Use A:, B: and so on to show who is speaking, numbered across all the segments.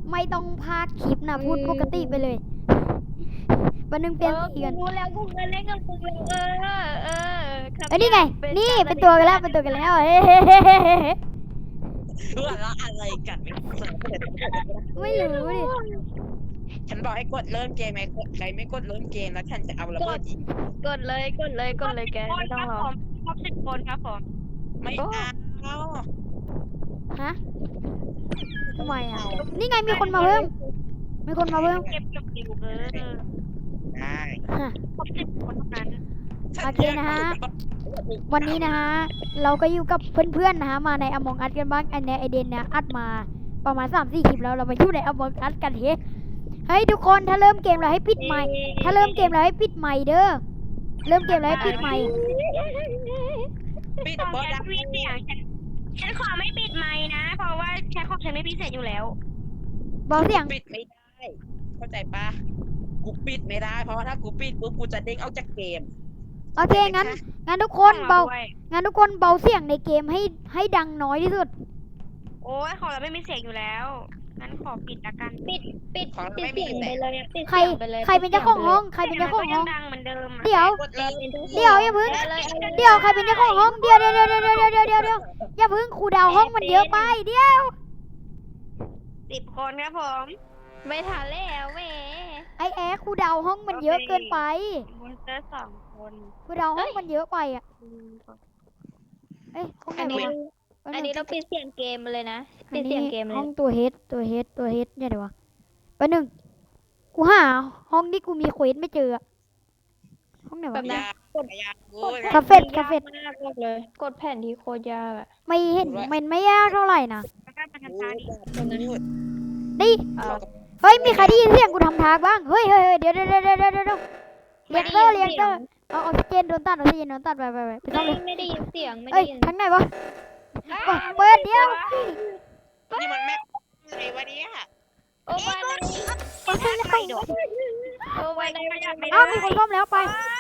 A: ไม่ต้องพากคลิปนะพูดปกติไปเลยวันหนึ่งเปลี่ยนสีกัน
B: รู้แล้วกูเคยเล่นกับมึงแล้ว
A: เอ้ยนี่ไงนี่เป็นตัวกันแล้วเป็นตัวกันแล้วเฮ้
C: เพื่อละอะไรกัน
A: ไม่รู้ดิ
C: ฉันบอกให้กดเริ่มเกมไหมใครไม่กดเริ่มเกมแล้วฉันจะเอาระเบิดยิง
B: กดเลยแกไม่ต้องรอครบ10 คนครับผม
C: ไม่เอา
A: ฮะทำไมอ่ะนี่ไงมีคนมาเพิ่มมีคนมาเพิ่ม
B: เก็บอยู่
C: ได้
A: ฮะ
B: ครบ10 คนเท่านั้น
A: โอเคนะฮะ วันนี้นะฮะเราก็อยู่กับเพื่อนๆนะฮะมาในอมองอัดกันบ้างอันเนี้ยไอเดนเนี่ยอัดมาประมาณ3-4 คลิปแล้วเรามาอยู่ในอมองอัดกันเฮ้ยทุกคนถ้าเริ่มเกมเราให้ปิดไมค์ถ้าเริ่มเกมเราให้ปิดไมค์เด้อเริ่มเกมเราให้ปิดไมค์
C: ปิด
B: ต้อง
C: บอ
B: แก
C: ดั
B: มีเสียงฉันขอไม่ปิดไมค์นะ เพราะว่าแค่ของฉันไม่พิเศษอยู่แล้ว
A: เบาเสียง
C: ปิดไม่ได้เข้าใจปะกูปิดไม่ได้เพราะว่าถ้ากูปิดปุ๊บกูจะเด้งออกจากเกม
A: โอเคงั้นทุกคนเบางั้นทุกคนเบาเสียงในเกมให้ดังน้อยที่สุด
B: โอ้ยของเราไม่มีเสียงอยู่แล้วงั้นขอปิดละกันปิด
C: ของเราไม่
B: เสี
C: มี
B: ยง
C: แส
B: ไป
C: ง
B: เลยปิด
A: ใคร
B: เสียงไปเลย
A: ใครเป็นเจ้าของห้องใครเป็นเจ้าของห้อง
B: ดังเหมือนเดิม
A: เดี๋ยว
C: กดเลย
A: เดี๋ยวอย่าพึ่งเดี๋ยวใครเป็นเจ้าของห้องเดี๋ยวอย่าพึ่งครูดาวห้องมันเยอะไปเดี๋ยว
B: 10 คนครับผมไม่ทันแล้วแม่
A: ไอแอร์ครูดาวห้องมันเยอะเกินไป
B: มอนสเตอร์2 คน
A: ครูดาวห้องมันเยอะไปอ่ะเอ้ยห้องไหน
B: อันนี้
A: วะ
B: เราปิดเสียงเกมเลยนะ
A: อั
B: ปิ
A: น
B: ดเสี
A: นี้
B: ยงเกมเลย
A: ห้องตัวเฮดเนี่ยเดี๋ยววะแป๊บนึงกูหาห้องที่กูมีเควสไม่เจออะห้องไหนวะ
C: ยากยากกู
A: คาเฟ่
B: ยากมากเลย กดแผ่นที่โคตรยากอะ
A: ไม่เห็นมันไม่ยากเท่าไหร่นะ นี่ เฮ้ยมีใครได้ยินเสียงกูทำทางบ้างเฮ้ยเดี๋ยวเรียกเตอร์เอาออกซิเจนโดนตัดไปไปซ่อมเลย
B: ไม่ได้ยินเสียงไม่
A: เอ้
B: ได้
A: ย
B: ยิน
A: ทางไหนวะเปิดเดี๋ยว
C: นี่มันแม่อะไรวะเนี่ย
B: โอ้วันนี้ไม่โดนโอ้วันนี้ไม่ได้
A: อ้าวมีคนซ่อมแล้วไป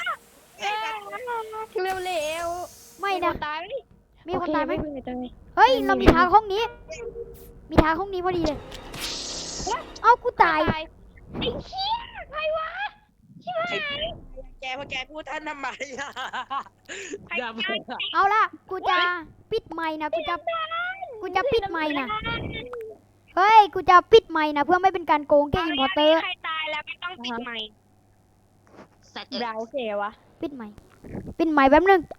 B: เร็วเร็ว
A: ไม่นะ
B: ตาย
A: มีคนตายไหม
B: ไม่ตาย
A: เฮ้ยเรามีทางห้องนี้ มีทางห้องนี้พอดีเลยเอ้ากูตาย
B: ไอ้เหี้ยใครวะชิบหาย
C: แกพอแกพูดท่านทำไมอย่ามา
A: เอาล่ะกูจะปิดไมค์นะกูจะปิดไมค์นะเฮ้ยกูจะปิดไมค์นะเพื่อไม่เป็นการโกงแกอินพอร์เตอร์
B: ใครตายแล้วไม่ต้องปิดไมค์
C: สัตว์
B: เราเสียวะ
A: ปิดไมค์แป๊บนึง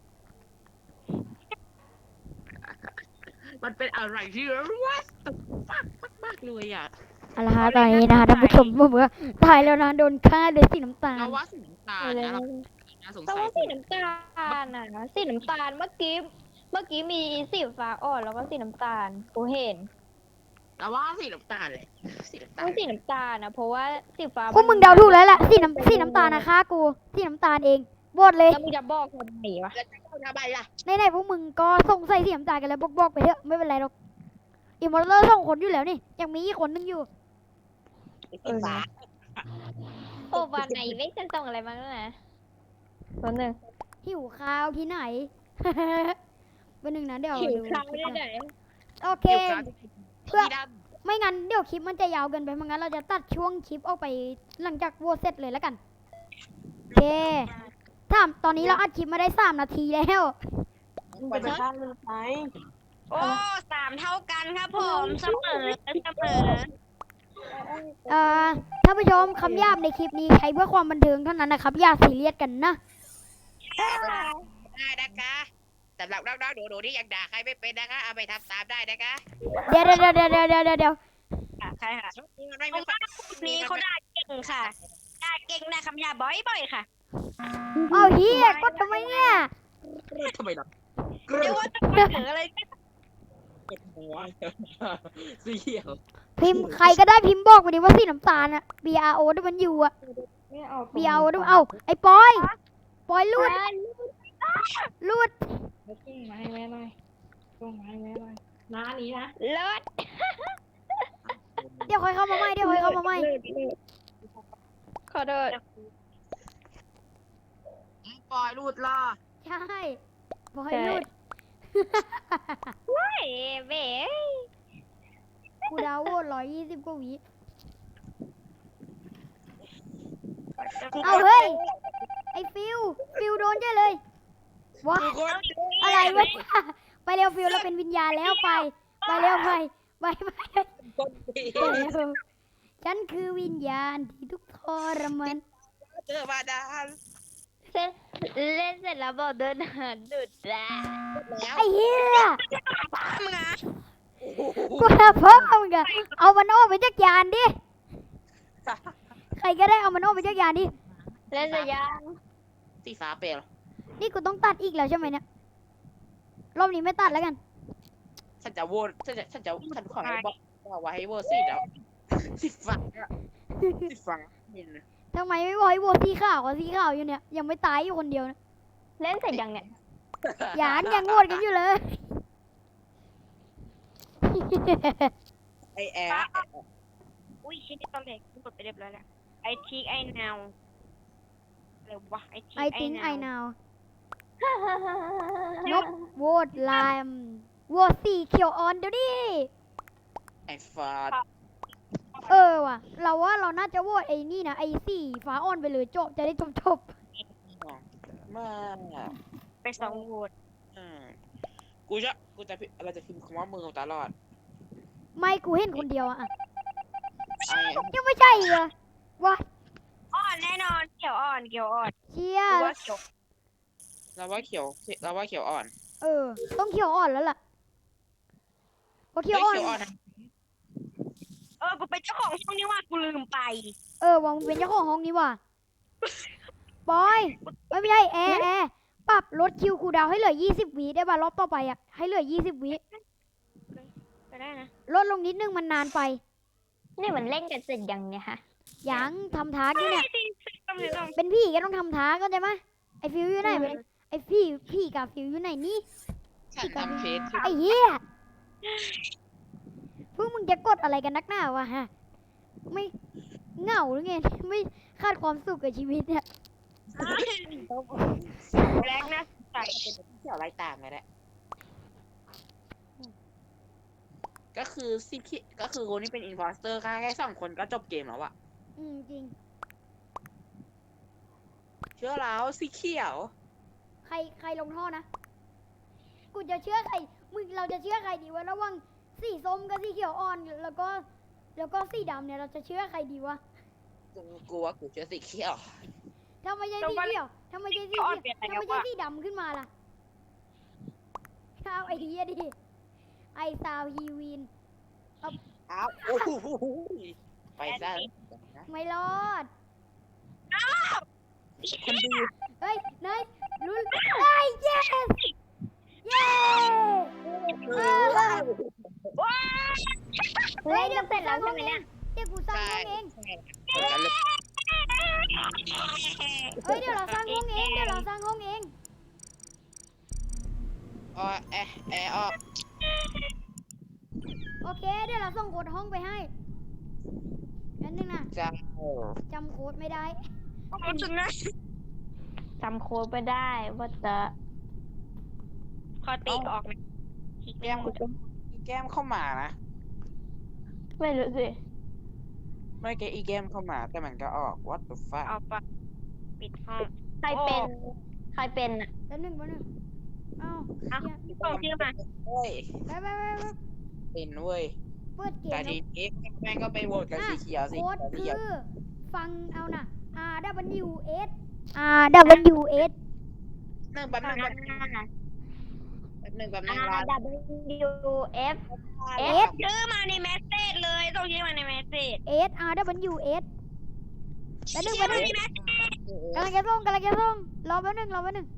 C: มันเป็นอะไรที่ว้ามากเลยอ่ะ
A: เอาละฮะตอนนี้นะคะท่านผู้ชมผมว่าตายแล้วนะโดนฆ่าด้วยสีน้ำตาล
C: เราว่าสีน้ำตาลนะเราน่าสง
B: แต่
C: สัย
B: ว่าสีน้ำตาลน่ะสีน้ำตาลเมื่อกี้มีสีฟ้าอ่อนแล้วก็สีน้ำตาลกูเห็น
C: เราว่าสีน้ำตาลเลยสีน้ำตาล
B: ว่าสีน้ำตาลนะเพราะว่าสีฟ้า
A: พวกมึงเดาถูกแล้วแหละสีน้ำตาลนะฆ่ากูสีน้ำตาลเองโหวตเลย
B: แล้วมึงจะบอกทำไมวะ
C: แล้วจะเข้าทำไมล่ะ
A: ไหนๆพวกมึงก็สงสัยสีน้ำตาลกันแล้วบอกไปเถอะไม่เป็นไรหรอกอิมมอร์เตอร์2 คนอยู่แล้วนี่ยังมีอีกคนนึงอยู่
C: สีฟ้า
B: โอ้วันไหนไม่ฉันส่งอะไรมาแล้วนะตัวหนึ่ง
A: หิวข้าวที่ไหน วันหนึ่งนะเดี๋ยว
B: หิว
A: ดู
B: ข้าวได้ไหน
A: โอเค
C: เพื่อ
A: ไม่งั้นเดี๋ยวคลิปมันจะยาวเกินไปไม่งั้นเราจะตัดช่วงคลิปออกไปหลังจากโหวตเสร็จเลยแล้วกันโอเคตอนนี้เราอัดคลิปมาได้3 นาทีแล้ว
C: ไปข้างมันไป
B: โอ้3 เท่ากันครับผมเสมอ
A: ท่านผู้ชมคำหยาบในคลิปนี้ใช้เพื่อความบันเทิงเท่านั้นนะครับอย่าซีเรียสกันนะ
C: ได้นะคะสำหรับน้องๆหนูๆที่ยังด่าใครไม่เป็นนะคะเอาไปทำตามได้นะคะ
A: เดี๋ยว
B: ใช่ค่ะ
C: ช่วงนี้มันไม่
B: เพราะว่านี้เขาด่าเก่งค่ะด่าเก่งนะคำหยาบ่อยๆค่ะ
A: เอาเฮียกดทำไมเนี่ย
C: ทำไมล่ะ
B: เดี๋ยวว่าจะมาถึงอะไร
C: กดหัวเสียว
A: พิมพ์ใครก็ได้พิมพ์บอกไปดิว่าสีน้ำตาลอะ BRO ด้วยมันอยู่อะ BRO ด้วยเอาไอ้ปอยลูด
D: ส่งมาให้แม่หน่อยน้านี้นะ
B: เลิศ
A: เดี๋ยวค่อยเข้ามาใหม่
B: ขอโทษ
C: ปล่อยรูดล่อ
A: ใช่ปอยลูด
B: เฮ้ยเบ๊
A: กูดาวโหวต120 กว่าวิ เอาเฮ้ย ไอ้ฟิวโดนเจ้เลยว้า
C: กูก็
A: อะไรวะไปเร็วฟิวเราเป็นวิญญาณแล้วไปเร็วไป
C: คนดี
A: เร็วฉันคือวิญญาณที่ทุกข์ทรมาน
C: เจอมาดาน
B: เล่นเสร็จแล้วบอกเดินหาดุดแล้ว
C: แล้ว
A: ไอ้เหี้ย
C: มึงอ่ะ
A: กูจะเพิ่มมึงอะเอามันออกไปจากยานดิ ใครก็ได้เอามันออกไปจากยานดิ
B: เล่นเสร็จยัง
C: สีฟ้าเปลว
A: นี่กูต้องตัดอีกแล้วใช่ไหมเนี่ย รอบนี้ไม่ตัดแล้วกัน
C: ฉันจะโหวตฉันขอให้บอกว่าให้โหวตสีแล้วสีฟ้าสีฟ้ามิน
A: ทำไมไม่บอกให้โหวตสีขาวกับสีขาวอยู่เนี่ย ยังไม่ตายอยู่คนเดียวนะ
B: เล่นเสร็จยังเนี่ย
A: ยังโหวตกันอยู่เลย
C: ไอแอร์
D: อุ้ยชิ้นนี้ตอนเด็กกูกดไปเรียบร้อยแล้วไอทีไอนาวอะไรวะไอที
A: I think I know นกโหวตไลม์โหวตสีเขียวอ่อนเดี๋ยวนี้
C: ไอฟ้า
A: ว่ะ เราว่าเราน่าจะโหวตไอ้นี่นะไอ้สีฟ้าอ่อนไปเลยจบจะได้จบ
C: มา
D: ไปสองโหวต
C: กูจะเราจะพิมพ์คำว่ามือตลอด
A: ไม่กูเห็นคนเดียวอะ
C: ไอ
A: ยังไม่ใช่เหรอวะ
D: อ่อนแน่นอนเขียวอ่อนเขียวอ่อน
A: เชีย
D: กูว่าเขียว
C: เราว่าเขียวอ่อน
A: ต้องเขียวอ่อนแล้วล่ะเพราะเขียวอ่อน
C: เขียวอ่อน
D: กูเป็นเจ้าของช่องนี้ว่ากูลืมไป
A: ว่ามึงเป็นเจ้าของห้องนี้ว่ะบอยไม่ใช่แอร์ปรับลดคิวคูลดาวน์ให้เหลือ20 วิได้ป่ะรอบต่อไปอะให้เหลือ20 วิ
D: ไปได้นะ
A: ลดลงนิดนึงมันนานไป
B: นี่มันเล่นกันเสร็จยังเนี่ยฮะ
A: ยังทำท้าอยู่เนี่ย
D: ต้อง
A: เป็นพี่ก็ต้องทำท้าก็ได้ไหมไอฟิวอยู่ไหนไอพี่กับฟิวอยู่ไหนนี่
C: ฉันทำเฟซ
A: ไอเหี้ยพวกมึงจะกดอะไรกันนักหนาวะฮะ ไม่เหงาหรือไง ไม่คาดความสุขกับชีวิตเนี่ย
D: แรงนะใส่
C: เขียวไล่ตามเลยแหละก็คือคนที่เป็นอินฟอสเตอร์แค่2 คนก็จบเกมแล้วอะ
A: จริง
C: เชื่อแล้วสีเขียว
A: ใครลงท่อนะ กูจะเชื่อใคร เราจะเชื่อใครดีวะระหว่างสีส้มกับสีเขียวอ่อน แล้วก็สีดำเนี่ยเราจะเชื่อใครดีวะ
C: กูว่ากูเชื่อสีเขียว
A: ถ้าไม่ใช่สีเขียวถ้าไม่ใช่สีเขียวถ้าไม่ใช่สีดำขึ้นมาล่ะเอาไอเดียดิ ไอซาวฮีวิน
C: อ้าวโอ้โหไปซะ
A: ไม่รอด
C: คนดี
A: เฮ้ยนายลุ้นไอ้เย้เย้
B: เล่นกันเสร็จแล้วใช่ไหมเนี่ย
A: เดี๋ยวกูสร้างห้องเอง
C: กันเลย
A: เฮ้ยเดี๋ยวเราสร้างห้องเอง
C: อ๋อแอะอ๋อ
A: โอเคเดี๋ยวเราส่งโค้ดห้องไปให้นั่นนึงนะ
C: จ้า
A: จำโค้ดไม่ได้
D: มันสุดนะ
B: จำโค้ดไปได้ว่าจะ
D: ขอตีออกนะ
C: แก้มเข้ามานะ
B: ไม่รู้สิ
C: ไม่แกอีแก้มเข้ามาแต่มันก็ออก what the fuck
D: เอาปะปิดห้อง
B: ใครเป็นอ่ะ
A: แล้วหนึ่งอ้าว
D: อ่ะส่งชื่อมา
C: เฮ้ย
A: ไป
C: เป็นเว้ย
A: เปิดเก
C: แต่
A: ม
C: ทีนี้แม่งก็ไปโหวตกับสีเขียวสี
A: โค้ด
C: เขี
A: คื
C: ยว
A: อฟังเอานะ RWS RWS
C: แป๊บนึงรอ
B: RWF
D: ชื่อมาในเมสเซจเลยส่งชื่อมาในเมสเซจ
A: RWS แล้วหนึ่ง
D: ชื่อมาในเมสเซจ
A: กำลังจะส่งรอแป๊บนึง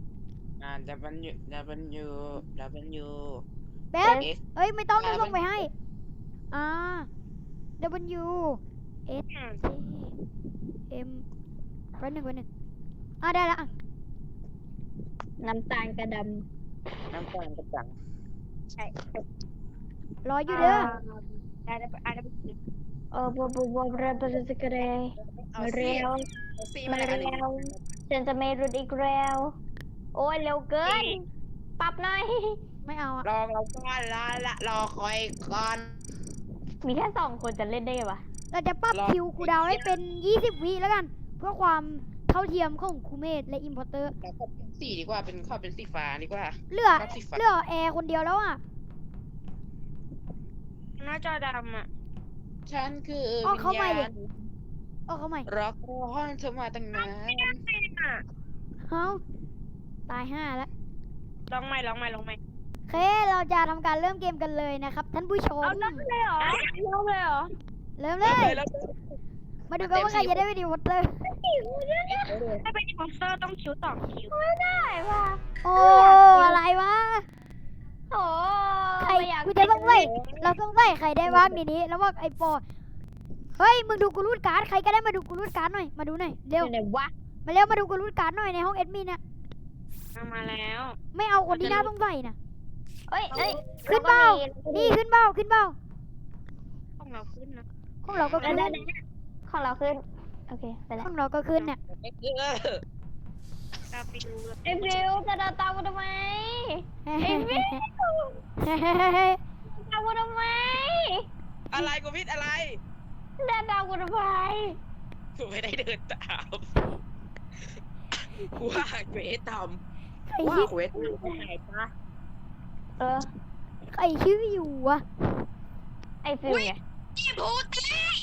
C: W
A: แป๊บเอ้ยไม่ต้องส่งไปให้ W S J M แป๊บนึงได้ละ
B: น้ำตาลกระด
C: น้ำตาลกระจัง
D: ใช่
A: รออยู่เด้อ
D: ได้ได้
B: ำบเรกเร
C: เอา
B: เร็ว
C: สี
B: มา
C: มา
B: เร็วฉันจะไม่รุดอีกแล้วโอ้ยเร็วเกิน ปรับหน่อย
A: ไม่เอาอะ
C: รอเราก่อนรอคอยก่อน
B: มีแค่2 คนจะเล่นได้ปะ
A: เราจะปรับคิวคูลดาวน์ให้เป็น 20 วิแล้วกัน เพื่อความเท่าเทียมของครูเมธและอิมพอร์เตอร์
C: แล้วก็เป็นสีดีกว่าเป็นข้อเป็นสีฟ้าดีกว่า
A: เหลือ
C: ชอบสีฟ้า
A: เหลือแอร์คนเดียวแล้วอ่ะ
D: หน้าจอดำอ่ะ
C: ฉันคือ
A: อ๋อ
C: วิ
A: เข้า
C: ญ
A: ใหม่
C: ญา
A: ดิ
C: ณ
A: เอาเข้าใหม่
C: รอคอยเธอมาตั้งนาน
A: เฮ้าตาย5แล้ว
D: ลองใหม่
A: โอเค เราจะทำการเริ่มเกมกันเลยนะครับ ท่านผู้ชม
B: เอาเริ่มเลยเหรอเริ่มเลยเหรอ
A: เริ่มเลย
C: แล้ว
A: มาดูกันว่าใครจะได้เป็นอิมพอร์เตอร์
D: ถ้าเป็นอินโพสเตอร์ต้องคิว2 คิว
B: ได้ป่ะ
A: โอ้อะไรวะ
B: โอ้
A: ใคร
B: อยาก
A: กูจะต้องใส่เราต้องใส่ใครได้บ้างในนี้แล้วว่าไอปอเฮ้ยมึงดูกูรูดการ์ดใครก็ได้มาดูกูรูดการ์ดหน่อยมาดูหน่อยเร็ว
B: อยู่ไหนวะ
A: มาเร็วมาดูกูรูดการ์ดหน่อยในห้องแอดมินน่ะ
D: เอามาแล้ว
A: ไม่เอาคนที่น่าต้องใส่น่ะ
B: เอ้ยเอ้ย
A: ขึ้นเปล่า นี่ขึ้นเบ้าขึ้นเบ้า
D: ต้องเราขึ้นนะ
A: ของเราก็ขึ้น
B: ได้ของเราขึ้นโอเคไปแล้ว
A: ของเราก็ขึ้นเนี่ย
D: เราไปดูเลย
B: ไอ้ฟิวจะเดินตามกูทำไม
A: เฮ้ย
B: ตามกูทำไม
C: อะไรกูพิดอะไร
B: เดินตามกูทำไม
C: กูไม่ได้เดินตามกูว่าเควสท
A: ใคร
C: ำว่า
A: ชื่อ
C: เควสทำไหนปะ
B: เออ
A: ใครชื่ออยู่วะ
B: ไอ้ฟิวไง
D: พี่พูด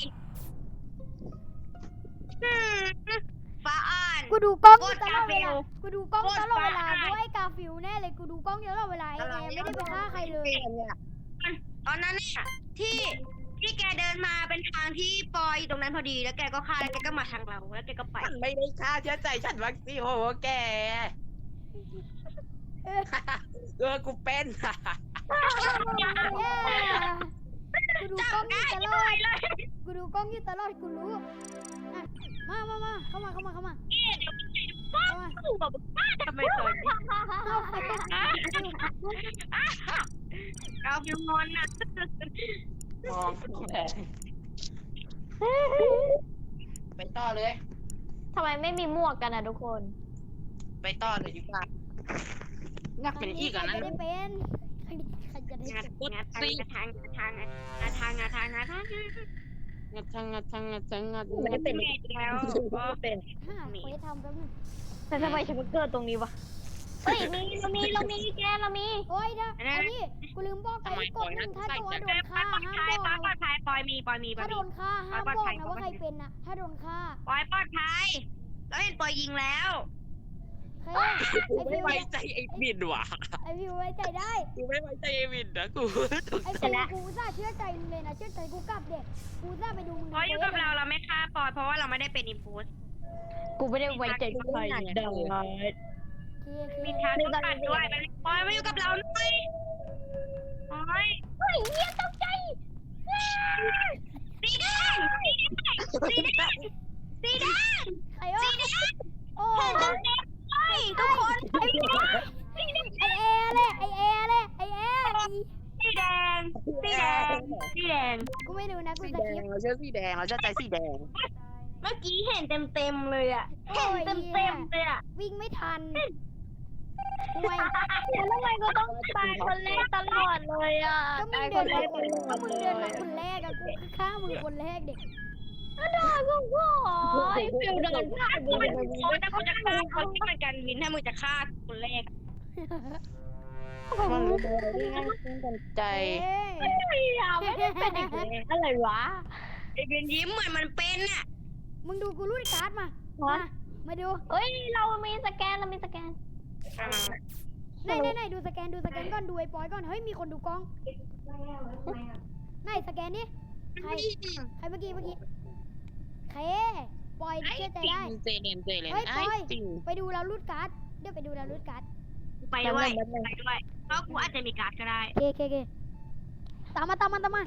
D: ฟ้าอ่าน
A: กูดูกล้องอยู่ตลอดเว
D: กาฟิ
A: ลา
D: ล
A: กูดูกล้องตลอดเวลา
D: โคตรบ้า
A: ด้วยกาฟิลแน่เลยกูดูกล้องเยอะตลอดเวลาไอ้แอร์ไม่ได้ไปฆ่าใครเลย
D: ตอนนั้นน่ะที่แกเดินมาเป็นทางที่ปอยอยู่ตรงนั้นพอดีแล้วแกก็ฆ่าแล้วแกก็มาทางเราแล้วแกก็ไป
C: ฉันไม่ได้ฆ่าเชื่อใจฉันวัคซีนโอ้โหแกกูเป็น
A: กูดูกล้องอยู่ตลอด กูดูกล้องอยู่ตลอด กูรู้อ่ะมา เข้ามา เข้ามา
D: กูบอกว่าทำไมตอนนี้เอาฟิวงอนนะ
C: มองแทนไปต่อเลย
B: ทำไมไม่มีหมวกกันอ่ะทุกคน
C: ไปต่อเลยดีกว่าอยากเป็นอีกอ่ะ
A: ใคร
C: นั้น
A: จะได้เป็นใครจะได้
D: งา
A: เป็น
C: งัดช่าง
B: ไม่เป็น
D: แล้วก็เป็น
A: ห้าเควสทำแป๊บนึง
B: แต่ทำไมฉันมาเกิดตรงนี้วะเฮ้ยเรามีแกเรามี
A: โอ้ยนะอันนี้กูลืมบอกไปกดหนึ่งถ้าตัวโดนฆ่าห้าม
D: ป
A: บอก
D: ลอ
A: นะ
D: ดภัยปอยมี
A: ถ้าโดนฆ่าห้ามบอกนะว่าใครเป็นนะถ้าโดนฆ่า
D: ปอยปลอดภัยแล้วเห็นปอยยิงแล้ว
A: เฮ้ย
C: กูไม่ไว้ใจไอ้บินว่ะ
A: ไอฟิวไว้ใจได้
C: กูไม่ไว้ใจไอ้บินนะกูตก
A: ไอฟิวกูซ่าเชื่อใจมึงเลยนะเชื่อใจกูกลับเด็กกูซ่าไปดูมึง
D: ปอยอยู่กับเราเราไม่ฆ่าปอยเพราะว่าเราไม่ได้เป็นอิมพูส
B: กูไม่ได้ไว้ใจใครเด้อ
D: มีทางต้องตัดด้วยปอยมาอยู่กับเราหน่อยปอย
B: เฮ้ยเยี่ยตกใจ
D: สีแดงสีแดง
A: ใครวะโอ้
D: เห็นตรงนี้เลยทุกคน
A: ไอแอร์เลยไอแอร์เลยไอแอร์
D: สีแดงสีแดง
A: กูไม่รู้นะกู
C: สี
A: ส
C: แด
A: กิ
C: ง
A: ป
C: เราเชื่อสีแดงเราเชื่อใจสีแดง
D: เมื่อกี้เห็นเต็มเลยอ่ะเห็นเต็มเลยอ่ะ
A: วิ่งไม่ทันห่วย
B: แล้วทำไมกูต้องตายคนแรกตลอดเลยอ่ะ
A: ก็มึงเดินมาคนแรกอะกูฆ่ามึงคนแรกเด็ก
B: โอ้ยฟิวเดินผ่าน
D: กูเป็นคนถ้ากูจะฆ่าคนที่มันกันวินถ้ามึงจะฆ่าคนแรก
C: มันรู้ได้ง่ายขึ้นกันใจ
B: ไม่ได้เป็นอีกเลยอะไรวะ
D: ไอ้เบนยิ้มเหมือนมันเป็นอ่ะ
A: มึงดูกูรูดการ์ดมามาดู
B: เอ้ยเรามีสแกน
A: ไหนดูสแกนก่อนดูไอ้ปอยก่อนเฮ้ยมีคนดูกล้องไหนสแกนดิใครเมื่อกี้ใครปอยเชื่อใจได้
C: เจเลน
A: เฮ้ยปอย
C: จริง
A: ไปดูเรารูดการ์ดเดี๋ยวไปดูเรารูดการ์ด
D: ไปด้วยเพราะกูอาจจะมีการ์ดก็ได้
A: เคตามมา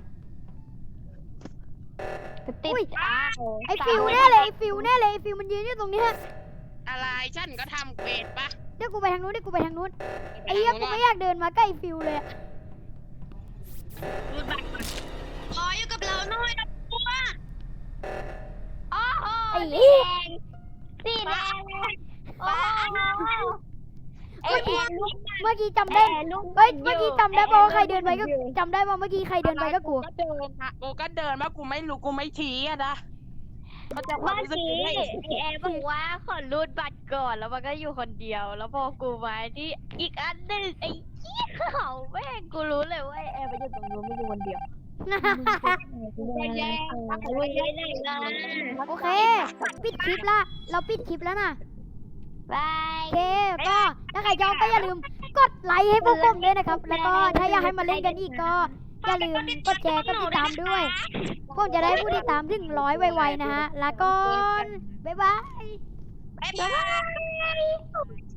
B: ติด
A: ไอฟิวแน่เลยไอฟิวมันยืนอยู่ตรงนี้
C: อะไรฉันก็ทำเควสปะ
A: เดี๋ยวกูไปทางนู้นไอ้เหี้ยกูไม่อยากเดินมาใกล้ฟิวเลยอะ
D: รูดบัตรปอยอยู่กับเราหน่อยนะกูว่า
B: โอ้โห
A: ไอ้
B: สี
A: เหี้ย
B: แดงโอ้โหไอ้แอร์ลูก
A: เมื่อกี้จำได้
B: แอร์ลูก
A: เฮ้ย เมื่อกี้จำได้ป่าวว่าใครเดินไปก็จำได้ว่าเมื่อกี้ใครเดินไปก็กู
C: ก็เดินอะกูก็เดินมากูไม่รู้กูไม่ชี้อะนะเขาจะความ
B: เมื่อ
C: รู้สึก
B: กี้
C: ได้
B: ไอ้แอร์บอกว่าขอรูดบัตรก่อนแล้วมันก็อยู่คนเดียว แล้วพอกูมาที่อีกอันหนึงไอ้เหี้ยเขาแม่งกูรู้เลยว่าไอ้แอร์ไปอยู่ตรงนู้นไม่อยู่คนเดียว
C: กูไม่แย่ง
B: ไม่ได้ไหนนะ
A: โอเค ปิดคลิปละ เราปิดคลิปแล้วนะ
B: บาย
A: โอเค ก็ถ้าใครชอบก็อย่าลืมกดไลค์ให้พวกผมด้วยนะครับ แล้วก็ถ้าอยากให้มาเล่นกันอีกก็อย่าลืมกดแชร์กดติดตามด้วยผมจะได้ผู้ติดตามถึง100ไวๆนะฮะ แล้วก็บ๊ายบาย
D: บ๊ายบาย